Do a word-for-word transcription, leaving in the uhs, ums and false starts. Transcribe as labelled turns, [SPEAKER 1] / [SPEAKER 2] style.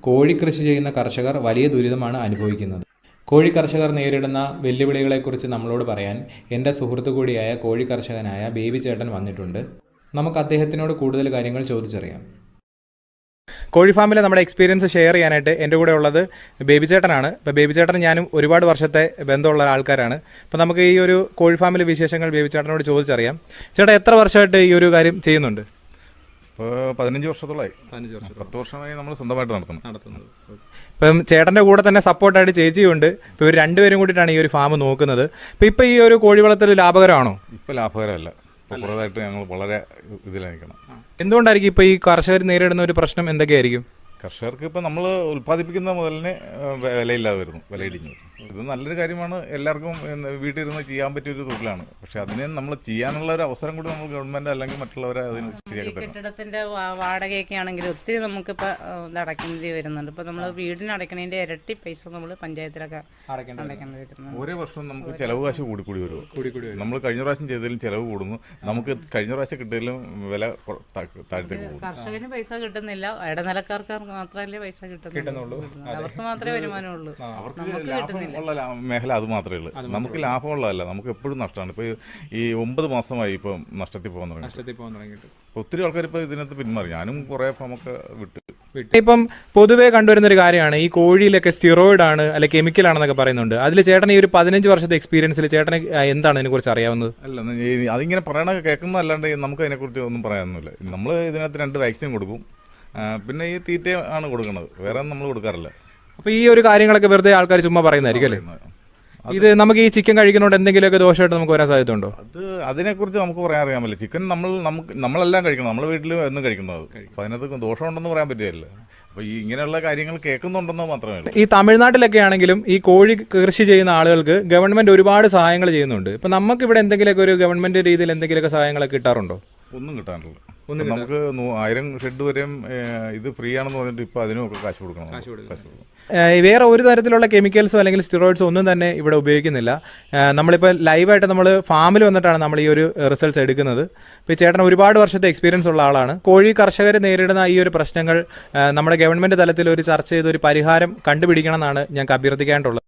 [SPEAKER 1] കോഴി കൃഷി ചെയ്യുന്ന കർഷകർ വലിയ ദുരിതമാണ് അനുഭവിക്കുന്നത്. കോഴി കർഷകർ നേരിടുന്ന വെല്ലുവിളികളെക്കുറിച്ച് നമ്മളോട് പറയാൻ എൻ്റെ സുഹൃത്തു കൂടിയായ കോഴി കർഷകനായ ബേബി ചേട്ടൻ വന്നിട്ടുണ്ട്. നമുക്ക് അദ്ദേഹത്തിനോട് കൂടുതൽ കാര്യങ്ങൾ ചോദിച്ചറിയാം. കോഴി ഫാമിലെ നമ്മുടെ എക്സ്പീരിയൻസ് ഷെയർ ചെയ്യാനായിട്ട് എൻ്റെ കൂടെ ഉള്ളത് ബേബി ചേട്ടനാണ്. ഇപ്പോൾ ബേബി ചേട്ടൻ ഞാനും ഒരുപാട് വർഷത്തെ ബന്ധമുള്ള ആൾക്കാരാണ്. അപ്പോൾ നമുക്ക് ഈ ഒരു കോഴി ഫാമിലെ വിശേഷങ്ങൾ ബേബി ചേട്ടനോട് ചോദിച്ചറിയാം. ചേട്ടാ, എത്ര വർഷമായിട്ട് ഈ ഒരു കാര്യം ചെയ്യുന്നുണ്ട്?
[SPEAKER 2] ഇപ്പോൾ പതിനഞ്ച് വർഷത്തോളമായി. പതിനഞ്ച് വർഷം പത്ത് വർഷമായി നമ്മൾ സ്വന്തമായിട്ട് നടത്തുന്നത് നടത്തുന്നത്
[SPEAKER 1] ഇപ്പം ചേട്ടൻ്റെ കൂടെ തന്നെ സപ്പോർട്ടായിട്ട് ചേച്ചിയുണ്ട്. ഇപ്പോൾ ഇവർ രണ്ടുപേരും കൂടിയിട്ടാണ് ഈ ഒരു ഫാം നോക്കുന്നത്. ഇപ്പോൾ ഇപ്പോൾ ഈ ഒരു കോഴി വളർത്തൽ ലാഭകരമാണോ?
[SPEAKER 2] ഇപ്പോൾ ലാഭകരമല്ല. ഇപ്പോൾ കുറേതായിട്ട് ഞങ്ങൾ വളരെ ഇതിലായിരിക്കണം.
[SPEAKER 1] എന്തുകൊണ്ടായിരിക്കും ഇപ്പോൾ ഈ കർഷകർ നേരിടുന്ന ഒരു പ്രശ്നം എന്തൊക്കെയായിരിക്കും?
[SPEAKER 2] കർഷകർക്ക് ഇപ്പോൾ നമ്മൾ ഉൽപ്പാദിപ്പിക്കുന്ന മുതലിന് വിലയില്ലാതെ വരുന്നു, വിലയിടിഞ്ഞു. ഇത് നല്ലൊരു കാര്യമാണ്, എല്ലാവർക്കും വീട്ടിലിരുന്ന് ചെയ്യാൻ പറ്റിയൊരു തൊഴിലാണ്. പക്ഷെ അതിനെ നമ്മൾ ചെയ്യാനുള്ള ഒരു അവസരം കൂടി നമ്മൾ ഗവൺമെൻറ് അല്ലെങ്കിൽ മറ്റുള്ളവരെ അതിന് ശരിയാക്കി തരണം.
[SPEAKER 3] കെട്ടിടത്തിൻ്റെ വാടകയൊക്കെ ആണെങ്കിൽ ഒത്തിരി നമുക്കിപ്പോൾ ഇത് അടയ്ക്കേണ്ടി വരുന്നുണ്ട്. ഇപ്പോൾ നമ്മൾ വീടിന് അടയ്ക്കണതിൻ്റെ ഇരട്ടി പൈസ നമ്മൾ പഞ്ചായത്തിലൊക്കെ അടയ്ക്കേണ്ടി വരുന്നുണ്ട്.
[SPEAKER 2] ഓരോ വർഷവും നമുക്ക് ചിലവ് കാശ് കൂടി കൂടി വരും. നമ്മൾ കഴിഞ്ഞ പ്രാവശ്യം ചെയ്തതിലും ചിലവ് കൂടുന്നു. നമുക്ക് കഴിഞ്ഞ പ്രാവശ്യം കിട്ടിയതിലും വില താഴത്തേക്ക് പോകും.
[SPEAKER 3] കർഷകന് പൈസ കിട്ടുന്നില്ല, ഇടനിലക്കാർക്ക് മാത്രമല്ലേ പൈസ കിട്ടുന്നുള്ളൂ. അവർക്ക് മാത്രമേ വരുമാനമുള്ളൂ, നമുക്ക് കിട്ടുന്നില്ല.
[SPEAKER 2] ഉള്ള മേഖല അത് മാത്രമേ ഉള്ളൂ. നമുക്ക് ലാഭമുള്ളതല്ല, നമുക്ക് എപ്പോഴും നഷ്ടമാണ്. ഇപ്പോൾ ഈ ഒമ്പത് മാസമായി ഇപ്പം നഷ്ടത്തിൽ പോകാൻ തുടങ്ങിയിട്ട് ഒത്തിരി ആൾക്കാർ ഇപ്പോൾ ഇതിനകത്ത് പിന്മാറി. ഞാനും കുറേ ഫാമൊക്കെ വിട്ടു.
[SPEAKER 1] ഇപ്പം പൊതുവേ കണ്ടുവരുന്ന ഒരു കാര്യമാണ് ഈ കോഴിയിലൊക്കെ സ്റ്റിറോയിഡ് ആണ് അല്ലെ കെമിക്കൽ ആണെന്നൊക്കെ പറയുന്നുണ്ട്. അതിൽ ചേട്ടൻ ഈ ഒരു പതിനഞ്ച് വർഷത്തെ എക്സ്പീരിയൻസിൽ ചേട്ടന് എന്താണ് ഇതിനെക്കുറിച്ച് അറിയാവുന്നത്?
[SPEAKER 2] അല്ല, അതിങ്ങനെ പറയണ കേൾക്കുന്ന അല്ലാണ്ട് നമുക്ക് അതിനെക്കുറിച്ച് ഒന്നും പറയാനൊന്നുമില്ല. നമ്മൾ ഇതിനകത്ത് രണ്ട് വാക്സിൻ കൊടുക്കും, പിന്നെ ഈ തീറ്റ ആണ് കൊടുക്കുന്നത്, വേറെ ഒന്നും നമ്മൾ കൊടുക്കാറില്ല.
[SPEAKER 1] അപ്പോൾ ഈ ഒരു കാര്യങ്ങളൊക്കെ വെറുതെ ആൾക്കാർ ചുമ്മാ പറയുന്നതായിരിക്കും അല്ലേ? ഇത് നമുക്ക് ഈ ചിക്കൻ കഴിക്കുന്നതുകൊണ്ട് എന്തെങ്കിലുമൊക്കെ ദോഷമായിട്ട് നമുക്ക് വരാൻ സാധ്യതയുണ്ടോ?
[SPEAKER 2] അത് അതിനെക്കുറിച്ച് നമുക്ക് പറയാൻ അറിയാൻ പറ്റില്ല. ചിക്കൻ നമ്മൾ നമുക്ക് നമ്മളെല്ലാം കഴിക്കണം, നമ്മളെ വീട്ടിൽ എന്നും കഴിക്കുന്നത്. അപ്പോൾ അതിനകത്ത് ദോഷമുണ്ടെന്ന് പറയാൻ പറ്റില്ല. അപ്പോൾ ഈ ഇങ്ങനെയുള്ള കാര്യങ്ങൾ കേൾക്കുന്നുണ്ടെന്ന് മാത്രമേ ഉള്ളൂ.
[SPEAKER 1] ഈ തമിഴ്നാട്ടിലൊക്കെ ആണെങ്കിലും ഈ കോഴി കൃഷി ചെയ്യുന്ന ആളുകൾക്ക് ഗവൺമെൻറ് ഒരുപാട് സഹായങ്ങൾ ചെയ്യുന്നുണ്ട്. ഇപ്പോൾ നമുക്ക് ഇവിടെ എന്തെങ്കിലുമൊക്കെ ഒരു ഗവൺമെൻറ് രീതിയിൽ എന്തെങ്കിലുമൊക്കെ സഹായങ്ങളൊക്കെ കിട്ടാറുണ്ടോ?
[SPEAKER 2] ഒന്നും കിട്ടാനില്ല. നമുക്ക് ആയിരം ഷെഡ് വരെയും ഇത് ഫ്രീ ആണെന്ന് പറഞ്ഞിട്ട് ഇപ്പോൾ അതിനൊക്കെ കാശ് കൊടുക്കണം. കാശ് കൊടുക്കണം.
[SPEAKER 1] വേറെ ഒരു തരത്തിലുള്ള കെമിക്കൽസോ അല്ലെങ്കിൽ സ്റ്റിറോയിഡ്സോ ഒന്നും തന്നെ ഇവിടെ ഉപയോഗിക്കുന്നില്ല. നമ്മളിപ്പോൾ ലൈവായിട്ട് നമ്മൾ ഫാമിൽ വന്നിട്ടാണ് നമ്മൾ ഈ ഒരു റിസൾട്ട്സ് എടുക്കുന്നത്. ഇപ്പോൾ ഈ ചേട്ടൻ ഒരുപാട് വർഷത്തെ എക്സ്പീരിയൻസ് ഉള്ള ആളാണ്. കോഴി കർഷകർ നേരിടുന്ന ഈ ഒരു പ്രശ്നങ്ങൾ നമ്മുടെ ഗവൺമെൻറ് തലത്തിൽ ഒരു ചർച്ച ചെയ്ത് ഒരു പരിഹാരം കണ്ടുപിടിക്കണം എന്നാണ് ഞങ്ങൾക്ക് അഭ്യർത്ഥിക്കാനുള്ളത്.